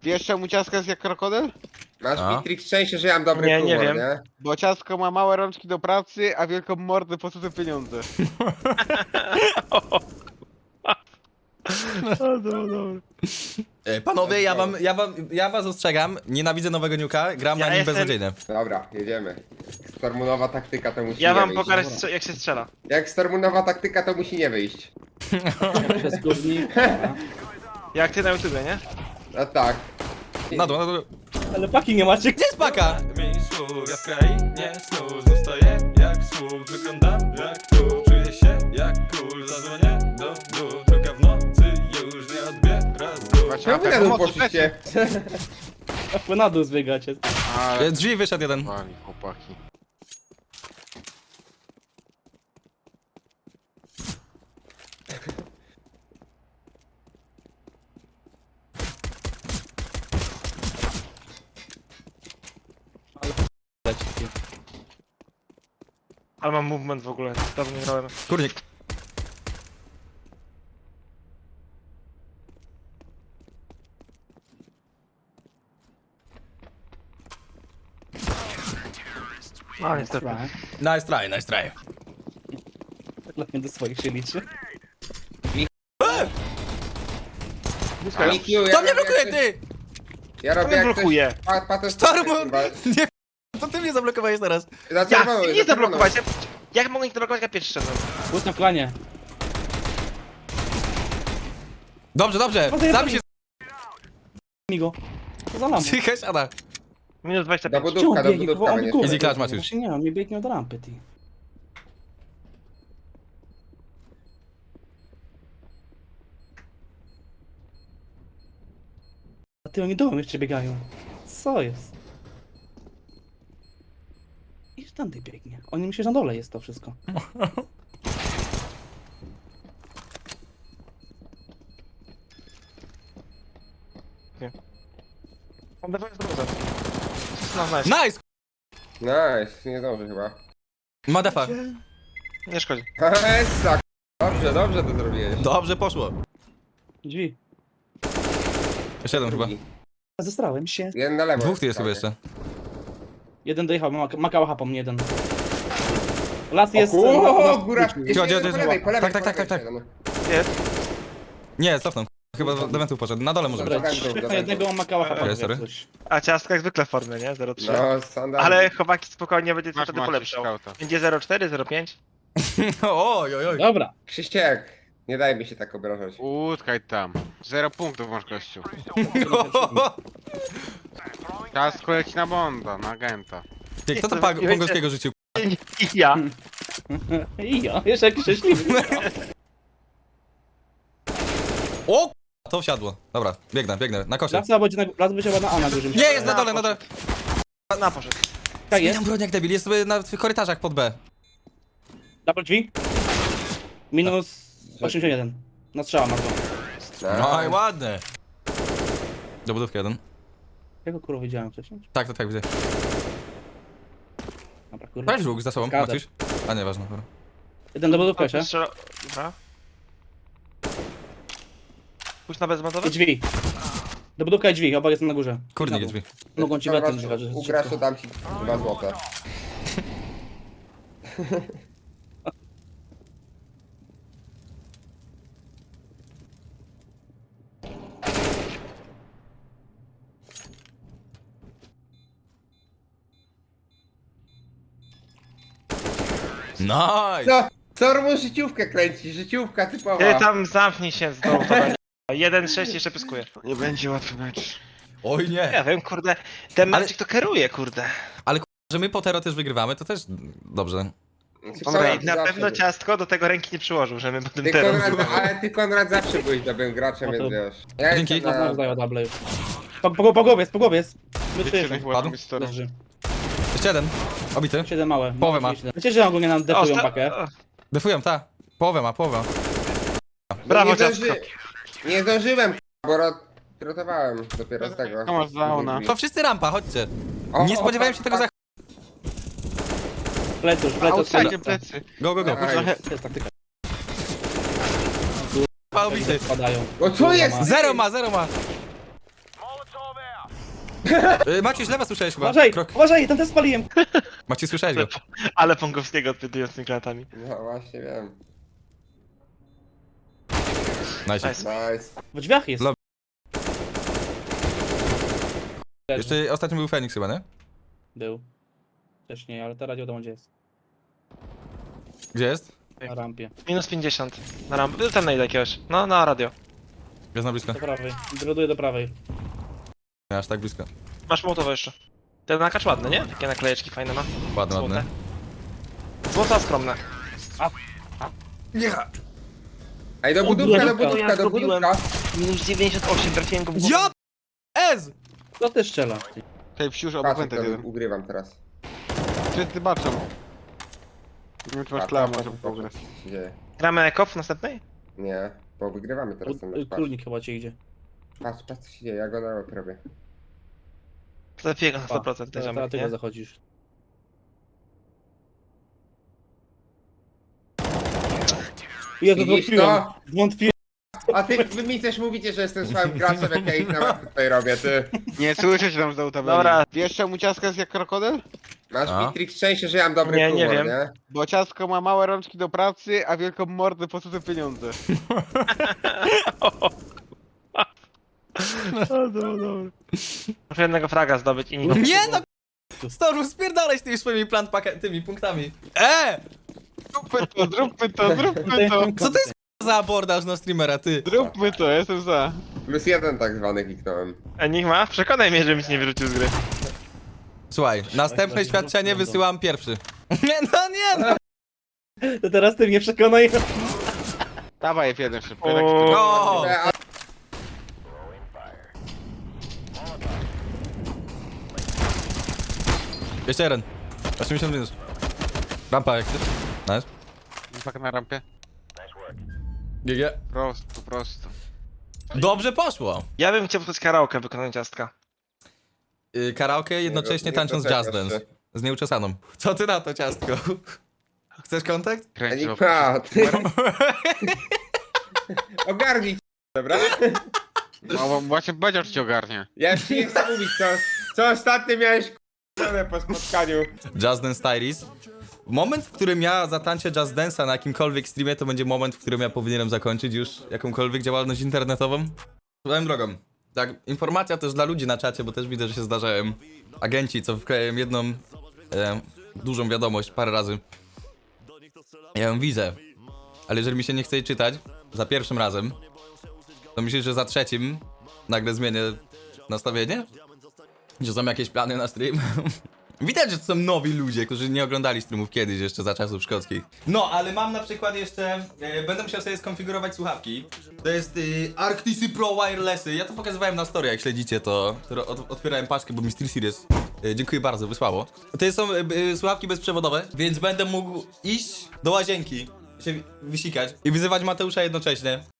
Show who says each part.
Speaker 1: Wiesz czemu ciastka jest jak krokodyl?
Speaker 2: Masz
Speaker 3: A?
Speaker 2: Mitrix szczęście, że ja mam dobry
Speaker 4: Nie,
Speaker 2: humor,
Speaker 4: nie wiem.
Speaker 2: nie?
Speaker 1: Bo ciastko ma małe rączki do pracy, a wielką mordę po co te pieniądze.
Speaker 3: Panowie, ja was ostrzegam, nienawidzę nowego niuka, gram
Speaker 4: Ja
Speaker 3: na nim
Speaker 4: jestem-
Speaker 3: beznadziejnie.
Speaker 2: Dobra, jedziemy. Stormunowa taktyka to musi
Speaker 4: Ja
Speaker 2: nie
Speaker 4: wam
Speaker 2: wyjść.
Speaker 4: pokażę jak się strzela.
Speaker 2: Jak Stormunowa taktyka to musi nie wyjść.
Speaker 5: Przez kurnik.
Speaker 4: Jak ty na YouTubie, nie?
Speaker 2: No tak.
Speaker 3: Na dół, na dół.
Speaker 5: Ale paki nie macie.
Speaker 3: Gdzie jest paka?
Speaker 6: Ja w krainie snu zostaję jak słup. Wyglądam jak tu, czuję się jak kul. Zadzwonię do dół, druga w nocy już nie odbiera z dół.
Speaker 1: Patrz,
Speaker 2: Czemu wy na dół poszliście?
Speaker 5: Wy na dół zbiegacie.
Speaker 1: Ale
Speaker 3: Drzwi wyszedł jeden.
Speaker 1: pali, chłopaki.
Speaker 4: Ale mam movement w ogóle, dawno nie grałem.
Speaker 3: Kurnik.
Speaker 4: No niestety.
Speaker 3: Nice try, nice try.
Speaker 5: Dla mnie do swoich się liczy.
Speaker 2: Mikiu,
Speaker 3: To mnie blokuje, ty!
Speaker 2: Ja
Speaker 4: To
Speaker 2: robię
Speaker 4: mnie
Speaker 2: jak coś...
Speaker 4: blokuje.
Speaker 3: Storm! Nie, to ty mnie zablokowałeś teraz.
Speaker 4: Ja nie zablokować, jak mogę ich zablokować, jak pierwszy szedłem?
Speaker 5: Gut na planie.
Speaker 3: Dobrze, dobrze, sam się
Speaker 5: Migo. Co za lampę?
Speaker 3: psychę siada.
Speaker 4: Minus
Speaker 2: Do
Speaker 4: 25.
Speaker 2: budówka, do budówka
Speaker 5: On
Speaker 2: będzie.
Speaker 5: górę.
Speaker 3: Easy clutch, Maciuś.
Speaker 5: Właśnie nie, on mi biegnie od rampy, ty. A ty, oni dołem jeszcze biegają. Co jest? I tam ty biegnie. Oni myślą, że na dole jest to wszystko.
Speaker 4: On dawaj z drodze. No nice.
Speaker 3: Nice!
Speaker 2: Nice, nie zdążę chyba.
Speaker 3: Madafa.
Speaker 4: Nie szkodzi.
Speaker 2: Essa, dobrze, dobrze to zrobiłeś.
Speaker 3: Dobrze poszło.
Speaker 5: Drzwi.
Speaker 3: Jeszcze jeden chyba.
Speaker 5: Zestrałem się.
Speaker 2: Jeden na lewo.
Speaker 3: Dwóch tu jest chyba jeszcze.
Speaker 5: Jeden dojechał, makała hapa mnie jeden. Las jest...
Speaker 2: O, góra!
Speaker 3: Gdzie,
Speaker 2: Jeszcze
Speaker 3: gdzie,
Speaker 2: jeden
Speaker 3: gdzie?
Speaker 2: po lewej, po lewej.
Speaker 3: Tak, tak,
Speaker 2: po
Speaker 3: tak,
Speaker 2: lewej
Speaker 3: tak.
Speaker 2: jeszcze jeden.
Speaker 3: Nie, cofnął. Chyba do wentów poszedł. Na dole może być.
Speaker 5: Dobra,
Speaker 2: Dobra, dobra.
Speaker 5: na jednego makała hapa.
Speaker 3: Okej, sorry.
Speaker 5: coś.
Speaker 4: A ciastka jak zwykle w formie, nie? 0,3.
Speaker 2: No, standard.
Speaker 4: Ale chłopaki spokojnie będzie
Speaker 1: Masz
Speaker 4: wtedy
Speaker 1: Maciuś
Speaker 4: polepszał.
Speaker 1: skauta.
Speaker 4: Będzie 0,4, 0,5.
Speaker 3: Oj, oj, oj.
Speaker 5: Dobra.
Speaker 2: Krzyściek, nie daj mi się tak obrażać.
Speaker 1: Utkaj tam. 0 punktów masz, gościu. Ciastko leci na Bonda, na agenta.
Speaker 3: Ty, kto to Pongowskiego rzucił?
Speaker 4: I ja.
Speaker 5: I ja, jeszcze jak szczęśliwy.
Speaker 3: O! To wsiadło. Dobra, biegnę, na kosie.
Speaker 5: Las będzie na A na górze.
Speaker 3: Nie, jest na dole, na dole.
Speaker 4: Na poszedł.
Speaker 5: Tak jest.
Speaker 3: Zmieniam broń jak debil, jest sobie na tych korytarzach pod B.
Speaker 5: Double drzwi. Minus 81. Na strzała ma to.
Speaker 3: No i ładne. Do budówki jeden.
Speaker 5: Jakiego kurwa widziałem wcześniej?
Speaker 3: Tak, widzę.
Speaker 5: Dobra, kurwa.
Speaker 3: Prawie żółk za sobą,
Speaker 5: Zgadza.
Speaker 3: Maciuś. A nie, ważne. Dobra.
Speaker 5: Jeden do budówki jeszcze.
Speaker 4: Dobra. Pójdź na bezmontowe?
Speaker 5: I drzwi. Do budówka i drzwi, obaj są na górze.
Speaker 3: Kurnik
Speaker 5: Na
Speaker 3: jest
Speaker 5: dół.
Speaker 3: drzwi.
Speaker 5: Mogą ci
Speaker 2: Dobra,
Speaker 5: wetem zjechać, że jest
Speaker 2: Ugrasz, to
Speaker 5: szybko.
Speaker 2: dam ci 2 złote.
Speaker 3: Nice!
Speaker 2: No, Stormu życiówkę kręci, życiówka typowa.
Speaker 4: Ty tam zamknij się z dołu, to będzie. 1,6 jeszcze pyskuje.
Speaker 1: Nie będzie łatwy mecz.
Speaker 3: Oj nie.
Speaker 4: Ja wiem, kurde. Ten
Speaker 3: Ale-
Speaker 4: Magic to kieruje, kurde.
Speaker 3: Że my Potero też wygrywamy, to też dobrze.
Speaker 4: Dobra, i na
Speaker 2: Zawsze
Speaker 4: pewno
Speaker 2: był.
Speaker 4: ciastko do tego ręki nie przyłożył, że my potem
Speaker 2: Ty
Speaker 4: teraz.
Speaker 2: Konrad, ale ty Konrad zawsze byłeś dobrym graczem,
Speaker 5: No to-
Speaker 2: więc wiesz. Ja
Speaker 3: Dzięki.
Speaker 2: jestem
Speaker 5: No,
Speaker 2: na...
Speaker 5: zdaję double już. Po głowie jest.
Speaker 1: Jeszcze
Speaker 5: Wyszły.
Speaker 1: nie chyba tam jest storm.
Speaker 5: Leży.
Speaker 3: Jeszcze jeden. Obity.
Speaker 5: 7 małe.
Speaker 3: Połowę ma.
Speaker 5: Wiecie, że ogólnie nam defują pakę?
Speaker 3: Defują, ta. Połowę ma.
Speaker 4: Brawo,
Speaker 2: nie,
Speaker 4: ciastko.
Speaker 2: nie zdążyłem, bo rotowałem dopiero z tego.
Speaker 1: To masz zauna.
Speaker 3: To wszyscy rampa, chodźcie.
Speaker 2: O,
Speaker 3: Nie
Speaker 2: o,
Speaker 3: spodziewałem
Speaker 2: tak,
Speaker 3: się tego za...
Speaker 5: Pleców,
Speaker 1: Outside plecy.
Speaker 3: Go.
Speaker 2: Aj.
Speaker 5: To jest taktyka.
Speaker 3: Obity.
Speaker 5: Spadają.
Speaker 2: O co jest?
Speaker 3: Zero ma. Maciej, z lewa słyszałeś chyba.
Speaker 5: Uważaj,
Speaker 3: Krok.
Speaker 5: uważaj, ten też spaliłem.
Speaker 3: Maciej, słyszałeś go.
Speaker 4: Ale Pongowskiego odpytują z tymi granatami.
Speaker 2: No właśnie wiem.
Speaker 3: Nice.
Speaker 4: Nice.
Speaker 2: Nice.
Speaker 5: W drzwiach jest.
Speaker 3: Lo- Jeszcze ostatnio był Feniks chyba, nie?
Speaker 5: Był. Też nie, ale teraz wiadomo gdzie jest.
Speaker 3: Gdzie jest?
Speaker 5: Na rampie.
Speaker 4: Minus 50. Na rampę. Był tam na ile jakiegoś. No, na radio.
Speaker 3: Jest na blisko.
Speaker 5: Do prawej. Graduję do prawej.
Speaker 3: Nie, aż tak blisko.
Speaker 4: Masz mołotowo jeszcze. Ten nakacz ładny, nie? Takie naklejeczki fajne ma.
Speaker 3: Ładne,
Speaker 4: Złote.
Speaker 3: ładne.
Speaker 4: Złota skromne.
Speaker 2: Ej, do budówka, do budówka.
Speaker 4: Minus 98, trafiłem go w głowę.
Speaker 3: Ja! Ez!
Speaker 5: To też strzela.
Speaker 1: Tej wsiuż obok
Speaker 2: Patrz,
Speaker 1: węta
Speaker 2: to
Speaker 1: jeden.
Speaker 2: ugrywam teraz.
Speaker 1: Wszyscy baczą. Nie wiem, czy masz klama, żeby pograć.
Speaker 2: Co się dzieje?
Speaker 4: Gramy Eko w następnej?
Speaker 2: Nie, bo wygrywamy teraz ten mecz. Patrz,
Speaker 5: Królnik chyba cię idzie.
Speaker 2: patrz, co się dzieje, ja go na łeb robię.
Speaker 4: Lepiej go na 100% ten
Speaker 5: Teraz
Speaker 4: ziomek,
Speaker 5: ty go
Speaker 4: nie?
Speaker 5: zachodzisz. Ja to
Speaker 2: Widzisz
Speaker 5: wątpiłem.
Speaker 2: to?
Speaker 5: Wątpiłem.
Speaker 2: A wy mi też mówicie, że jestem słabym graczem, jak ja ich na łeb tutaj robię, ty.
Speaker 1: Nie słyszę się tam z auta.
Speaker 4: Dobra.
Speaker 1: Wiesz czemu ciastka jest jak krokodyl?
Speaker 2: Masz
Speaker 3: A?
Speaker 2: Bitrix szczęście, że ja mam dobry
Speaker 4: Nie, nie
Speaker 2: humor,
Speaker 4: wiem.
Speaker 2: nie?
Speaker 1: Bo ciastko ma małe rączki do pracy, a wielką mordę po cudze pieniądze.
Speaker 4: Muszę jednego fraga zdobyć i nikogo.
Speaker 3: Nie no! Storm, spierdalaj z tymi swoimi tymi punktami.
Speaker 1: Zróbmy to, zróbmy to, zróbmy to.
Speaker 3: Co to jest za abordaż na streamera, ty?
Speaker 1: Zróbmy to, jestem za.
Speaker 2: +1 tak zwany kliknąłem.
Speaker 4: Enigma? Przekonaj mnie, żebym ci nie wyrzucił z gry.
Speaker 3: Słuchaj, następne świadczenie wysyłam pierwszy. Nie no, nie no!
Speaker 5: To teraz ty mnie przekonaj.
Speaker 1: Dawaj F1 szybko.
Speaker 4: O.
Speaker 1: tak się to-
Speaker 3: O!
Speaker 2: A
Speaker 3: Jeszcze jeden. 80 minus. Rampa jak chcesz. Nice.
Speaker 1: Tak na rampie.
Speaker 3: GG.
Speaker 1: Prosto, prosto.
Speaker 3: Dobrze poszło.
Speaker 4: Ja bym chciał posłuchać karaoke wykonania ciastka.
Speaker 3: Karaoke jednocześnie
Speaker 2: nie
Speaker 3: tańcząc
Speaker 2: doczekasz
Speaker 3: jazz dance.
Speaker 2: się.
Speaker 3: Z nieuczesaną. Co ty na to, ciastko? Chcesz kontakt?
Speaker 1: Kręci
Speaker 2: Enigma, ty. Ogarnij się, dobra?
Speaker 1: No bo właśnie powiedział, że cię ogarnie.
Speaker 2: Ja już ci nie chcę mówić, co ostatnio miałeś k***ane po spotkaniu.
Speaker 3: Jazz Dance Diaries. Moment, w którym ja zatańczę Jazz Dance'a na jakimkolwiek streamie, to będzie moment, w którym ja powinienem zakończyć już jakąkolwiek działalność internetową. Swoją drogą. Tak, informacja też dla ludzi na czacie, bo też widzę, że się zdarzają agenci, co wklejają jedną dużą wiadomość parę razy. Ja ją widzę, ale jeżeli mi się nie chce jej czytać za pierwszym razem, to myślisz, że za trzecim nagle zmienię nastawienie? Że są jakieś plany na stream? Widać, że to są nowi ludzie, którzy nie oglądali streamów kiedyś, jeszcze za czasów szkockich. No, ale mam na przykład jeszcze... będę musiał sobie skonfigurować słuchawki. To jest Arctisy Pro Wirelessy. Ja to pokazywałem na story, jak śledzicie to. Otwierałem paczkę, bo mi SteelSeries dziękuję bardzo, wysłało. To są słuchawki bezprzewodowe, więc będę mógł iść do łazienki, się wysikać i wyzywać Mateusza jednocześnie.